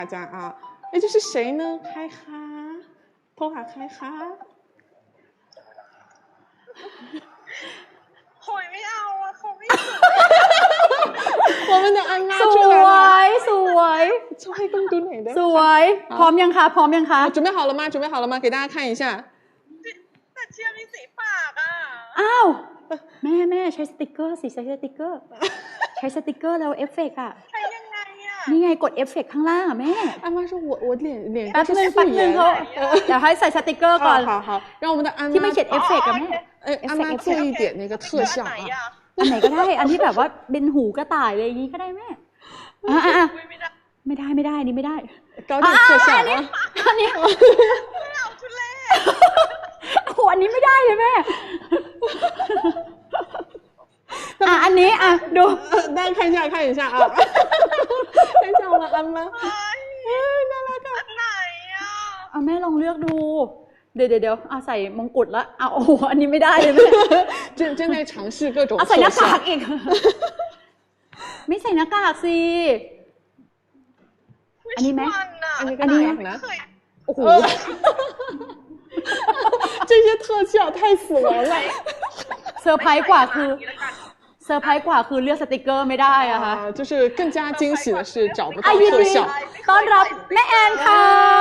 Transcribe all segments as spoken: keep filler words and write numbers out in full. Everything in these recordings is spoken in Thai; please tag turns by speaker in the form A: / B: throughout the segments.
A: 大家啊，哎，这是谁呢？开哈，偷哈开哈。
B: โหยไม่เอาอ่ะเขาไม่สวย
A: 我们的安娜
C: ส
A: 出来
C: ว
A: 了，
C: ยสวย
A: 超爱更多哪的？
C: สวยพร้อมยังคะพร้อมยังคะ
A: 啊，准备好了吗？准备好了吗？给大家看一下。
B: แต่เชียร์มีสีปากอ่ะ
C: อ้าวแม่แม่ใช้สติกเกอร์สิใช้สติกเกอร์ใช้สติกเกอร์แล้วเอฟเฟกต์อ่ะ
B: ใช้ยังไงอ่ะ
C: นี่ไงกดเอฟเฟกต์ข้างล่างอ่ะแม่
A: 安妈说我我脸脸
C: แป๊บ
A: 是
C: นึง
A: 素
C: แป๊บนึง
A: 颜。
C: เขาเดี๋ยวให้ใส่สติกเกอร์ก่อน
A: 好好好，让我们的安妈
C: ที่ไม่เขียนเอฟเฟกต์อะแม่
A: 哎，安妈做一点那个特效
B: ไหน
A: 啊。
B: อ่ะ
C: อันไหนก็ได้อันที่แบบว่าเป็นหูกระต่ายอะไรอย่างงี้ก็ได้แม่อ่ะอ่ะอ่ะ
B: อุ๊ยไม่ได้
C: ไม่ได้ไม่ได้นี่ไม่ได้
A: 搞点特效啊！
C: อันนี้
B: ไม่เอาทุเล่
C: โอ้โหอันนี้ไม่ได้เลยแม่อ่ะอันนี้อ่ะดู
A: 大家看一下，看一下啊！看一下我们安妈，哎，น่ารักอ่ะ
B: อันไหนอ่ะ
C: เอาแม่ลองเลือกดูเดี๋ยวเดี๋ยวเดี๋ยวเอาใส่มงกุฎแล้วเอาโอ้โหอันนี้ไม่ได้เลยแม่
A: 正正在尝试各种
C: เอา
A: 特
C: ใส่หน้ากาก
A: 效。
C: อีกไม่ใส่หน้ากากสิ อันนี้ไหม
A: อันนี้ก็
C: อันนี้
A: ได้นะ
B: เคย
C: โอ้โห
A: 这些特效太死亡了。
C: เซอร์ไพรส์กว่าคือ
B: นี้แล้วกัน
C: เซอร์ไพรส์กว่าคือเลือกสติกเกอร์ไม่ได้อะค่ะ
A: 啊，就是更加惊喜的是找不到
C: อายิน
A: 特
C: ดี
A: 效。
C: ต้อนรับแม่แอนค่ะ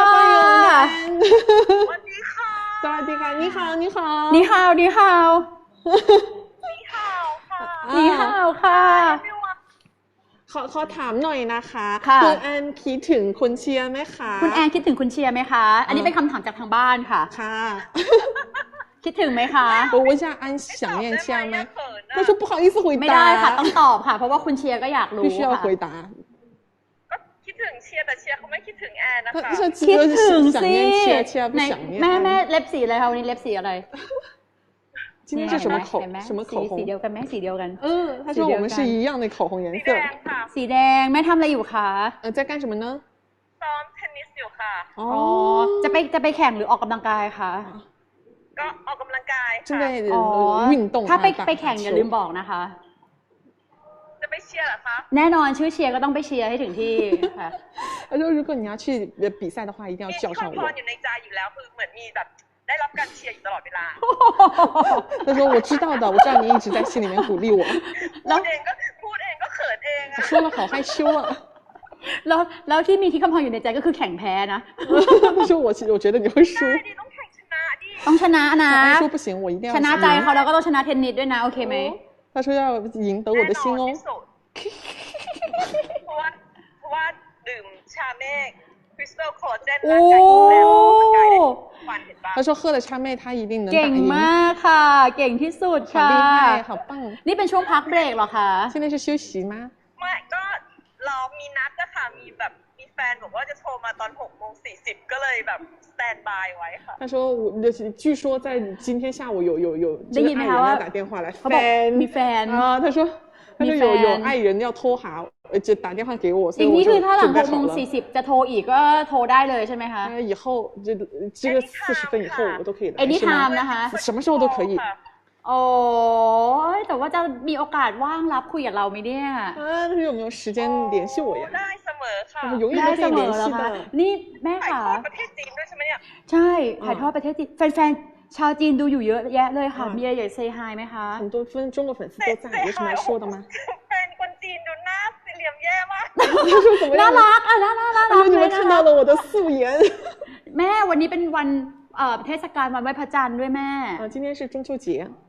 B: สวัสดีค่ะ
A: สวัสดีค่ะ你好你好
C: นี่ฮาวนี่ฮาว
B: นี่ข่าวค่ะ
C: นี่ฮาวค่ะ
B: ไม่ว่า
A: ขอขอถามหน่อยนะคะ
C: ค่ะ
A: ณแอนคิดถึงคุณเชียร์ไหมคะ
C: คุณแอนคิดถึงคุณเชียร์ไหมคะ อันนี้เป็นคำถามจากทางบ้านค่ะ
A: ค่ะ
C: คิดถึงไหมคะ
A: 我问一下安想念เชียร์ไหม他说不好意思回答
C: ไม่ได้ค่ะต้องตอบค่ะ เพราะว่าคุณเชียร์ก็อยากรู้
A: 必须要
C: ค่ะ
A: 回答
B: ก็คิดถึงเชียร์แต่เชียร์เขาไม่คิดถึงแอนนะคะ
A: 他说
C: คิดถึง
A: 想
C: สิ
A: 念เชียร์เชียร์不
C: ไหน
A: 想念
C: แม่แม่
A: 安
C: เล็บสีอะไรคะวันนี้เล็บสีอะไร
A: 今天是什么口
C: เห็นไหม
A: 什么口
C: สี
A: 红
C: สีเดียวกันไหมสีเดียวกัน
A: 嗯他说我们是一样的口红颜
B: สี
A: 色
B: แดงค่ะ
C: สีแดงแม่ทำอะไรอยู่คะ
A: 呃在干什么呢
B: ซ้อมเทนนิสอยู่ค่ะ
A: 哦
C: อ๋อจะไปจะไปแข่งหรือออกกำลังกายคะ
B: ก็ออกกำลังกาย
A: 正
B: ค่ะ
A: 在
C: อ๋อ
A: 呃运动
C: ถ้าไป
A: 打
C: ไปแข่งอย่า
A: 球
C: ลืมบอกนะคะ
B: จะไปเชียร์เหรอคะ
C: แน่นอนชื่อเชียร์ก็ต้องไปเชียร์ให้ถึงที่ค่ะ
A: 他说如果你要去比赛的话一定要
B: มี
A: 叫
B: ค
A: 上
B: วามพ
A: 我
B: รอยู่ในใจอยู่แล้วคือเหมือนมีแบบได้รับการเชียร์อยู่ตลอดเวลา
A: 他说我知道的我知道你一直在心里面鼓励我
B: พูดเองก็พูดเองก็เขินเองอะ
A: 说了好害羞啊
C: แล้วแล้วที่มีที่คำพรอยู่ในใจก็คือแข่งแพ้นะ
A: 他说我我觉得你会输
B: ได้ดิต้องแข่งชนะดิ
C: ต้องชนะนะ
A: 他说不行我一定要
C: ชนะใจ
A: 赢
C: เขาแล้วก็ต้องชนะเทนนิสด้วยนะโอเคไหม
A: 他说要赢得我的心
B: แน่นอน
A: 哦
B: ที่สุดเพราะว่าเพราะว่าดื่มชาเมฆคริสตัลคอลลาเจน
C: โอ้
B: ร่างกายแข็งแรงออกกำลังกายได้ทุกวันเห็นปะ
A: 他说喝了叉妹他一定能
C: เก่
A: 打
C: ง
A: 赢
C: มากค่ะ เก่งที่สุด
A: 好
C: ค่ะ
A: 厉害好棒
C: นี่เป็นช่วงพักเบรกเหรอคะ
A: 现在是休息吗
B: ไม่ก็เรามีนัดอะค่ะมีแบบมีแฟนบอกว่าจะโทรมาตอนหกโมงสี่สิบก็เลยแบบสแตนบายไว้ค่ะ
A: 他说我据说在今天下午有有有这个爱人要打电话来
C: เขาบอก
A: fan
C: มีแฟน
A: 啊他说他说有
C: มีแฟน
A: 有爱人要拖哈呃就打电话给我所
C: อ
A: 以
C: ย่าง
A: 我
C: นี้
A: 就
C: คือถ้าหลัง
A: 准
C: ห
A: 备
C: กโม
A: 好
C: ง
A: 了
C: สี่สิบจะโทรอีกก็โทรได้เลยใช่ไหมคะ
A: 呃以后这这个四十分以后我都可以来是
C: anytime
A: 吗
C: นะคะ
A: 什么时候都可以
C: โอ้ยแต่ว่าจะมีโอกาสว่างรับคุยกับเราไหมเนี่ย
A: 啊他说有没有时间联系我呀
B: ได้เสมอค่ะ
A: 我们永远
C: ได้
A: 都可
C: เส
A: 以
C: ม
A: 联
C: อแล้ว
A: 系
C: ค่ะ
A: 的
C: นี่แม่
B: ถ่าย
C: ค่ะ
B: ทอดประเทศจีนด้วยใช่ไหมเนี่ย
C: ใช่ถ่ายทอดประเทศจีนแฟนๆชาวจีนดูอยู่เยอะแยะเลยค่ะ มีอะไรอยากเซฮายไหมคะ
A: 很多分中国粉丝都在有什么要说的吗
B: แฟนคนจีนดูหน้าสี่เหลี่ยมแย่มาก
A: 他说怎么
C: น่า
A: 样
C: รักอ่ะน่ารักน่า
A: 他
C: รัก
A: 说你
C: เลย
A: 们
C: นะ
A: 看
C: คะ
A: 到了我的素颜
C: แม่วันนี้เป็นวันเอ่อเทศกาลวันไหว้พระจันทร์ด้วยแม่
A: 啊今天是中秋节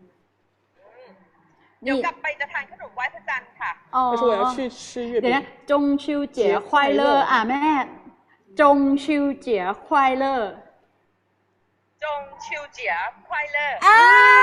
B: เดี๋ยวกลับไปจะทานขนมไหว้พระจันทร์ค่ะ
C: อ๋อ
A: 他说我要去吃月
C: เดี๋ยว
A: 饼
C: นะจงชิวเจี๋ยควายเลอร์อ่ะแม่จงชิวเจี๋ยควายเลอร์
B: จงชิวเจี๋ยควายเลอร์
C: อ่า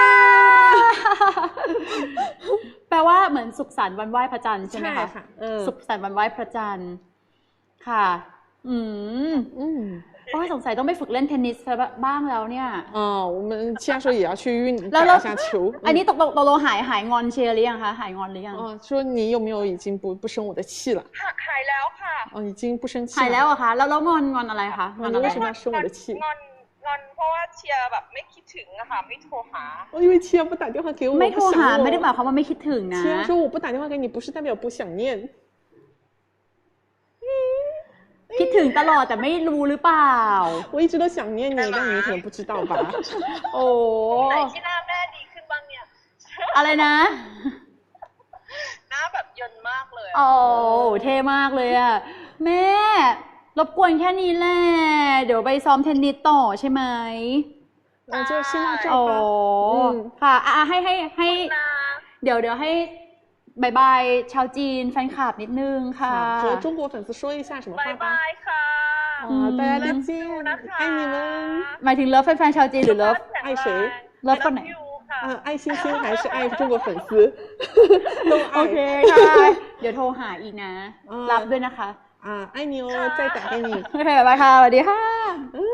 C: แปลว่าเหมือนสุขสันต์วันไหว้พระจันทร์ใช่ไหม
A: ใช่
C: คะ
A: ค่ะเออ
C: สุขสันต์วันไหว้พระจันทร์ค่ะ อืม
A: 嗯
C: โอ้ยสงสัยต้องไปฝึกเล่นเทนนิสบ้างแล้วเนี่ย
A: 哦我们现在说也要去运
C: แล้ว
A: 打一下球
C: อันนี้ตกลงตกลงหายหายงอนเชียร์หรือยังคะหายงอนหรือยัง
A: 哦说你有没有已经不不生我的气了
B: หักหายแล้วค่ะ
A: 哦已经不生气
C: หายแล้ว
A: 了
C: เหรอคะแล้วแล้วงอนงอนอะไรคะงอนอะไร
A: 为什么要生我的气
B: งอนงอนเพราะว่าเชียร์แบบไม่คิดถึงอะค่ะไม่โทรหา
A: 哦因为七儿不打电话给我
C: ไม่
A: 我
C: โท
A: 不
C: รหา
A: 想
C: ไม่ได้ห
A: 我
C: มายความว่าไม่คิดถึงนะ
A: 七儿说我不打电话给你不是代表不想念嗯哎
C: คิดถึงตลอดแต่ไม่รู้หรือเปล่า
A: 我一直都想念你但你可能不知道吧
C: โอ้
B: ไหนที่หน้าแม่ดีขึ้นบ้างเนี่ย
C: อะไรนะ
B: หน้าแบบเยินมากเลย
C: โอ้เท่มากเลยอ่ะแม่รบกวนแค่นี้แหละเดี๋ยวไปซ้อมเทนนิสต่อใช่ไหม
A: 那就先到这
C: โอ้ค่ะอ่ะให้ให้ให้เดี๋ยวเดี๋ยวให้บายบายชาวจีนแฟนคลับนิดนึงค่ะ
A: 和中国粉丝说一下什么话吧
B: บายค่ะ
A: 啊大家再见爱你们
C: หมายถึงเลิฟแฟนๆชาวจีนหรือเลิฟ
A: 爱谁
C: เลิฟคนไหน
A: 啊爱星星还是爱中国粉丝都爱
C: โอเคค่ะเดี๋ยวโทรหาอีกนะรับด้วยนะคะ
A: อ่า爱你哦再打给你
C: โอเคบ๊ายบายค่ะสวัสดีค่ะ